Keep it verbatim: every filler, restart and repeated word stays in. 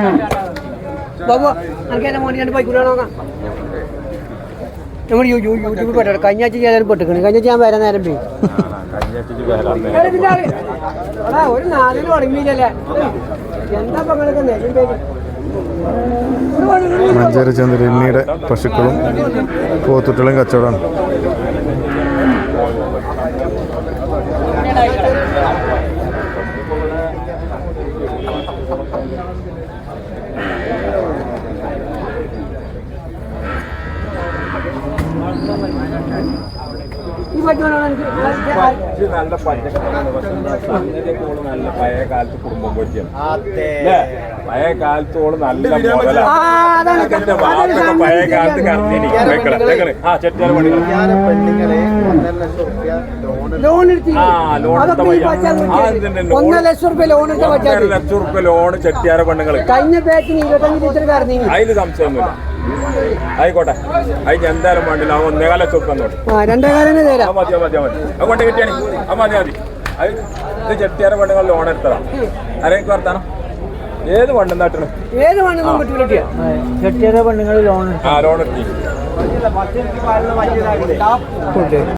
ബാബു എനിക്ക് എൻ്റെ മോനെ രണ്ട് ബൈക്കൂടെ നോക്കാം. നമ്മൾ യൂട്യൂബിൽ പെട്ടോ കഴിഞ്ഞ ആഴ്ച ചെയ്യാനും പെട്ടിക്കണം. കഴിഞ്ഞ ആഴ്ച ഞാൻ വരാൻ നേരം പോയി. ഒരു നാലിന് തുടങ്ങിയില്ലല്ലേ എന്താ പങ്കെടുക്ക നേരം പേര്. മഞ്ചേരി ചന്ദ്രനിയുടെ പശുക്കളും പോത്തുട്ടികളും കച്ചവടമാണ്. നല്ല നല്ല പഴയ കാലത്ത് കുടുംബം കൊച്ചിയാണ്. പഴയ കാലത്തോളം നല്ല പഴയ കാലത്ത് കറന്നിനി ആ ചെട്ടിയാർ ഒന്നര ലക്ഷം റുപ്യ ലോൺ ഒന്നര ലക്ഷം റുപ്യ ലോണ് ചെട്ടിയാര പെണ്ണുങ്ങള് കഴിഞ്ഞ ബാച്ചിന് ഇരുപത്തഞ്ച് ലിറ്റർ കറന്നി. അതില് സംശയമൊന്നുമില്ല. ആയിക്കോട്ടെ അതിന് എന്തായാലും വേണ്ടില്ല. അവൻ ഒന്നേകാല ചുരുക്കം രണ്ടേകാലം തരാം. മതി മതി മതി അത് കൊണ്ട് കിട്ടിയാണ് അത് മതി മതി. അത് ഇത് ചെട്ടിയാര പെണ്ണുങ്ങൾ ലോൺ എടുത്തതാ. ആരെനിക്ക് വർത്താനം ഏത് വണ്ണം നാട്ടണം ഏത് വണ്ണം ചെട്ടിയാര പെണ്ണുങ്ങൾ ലോൺ ആ ലോൺ എടുത്തി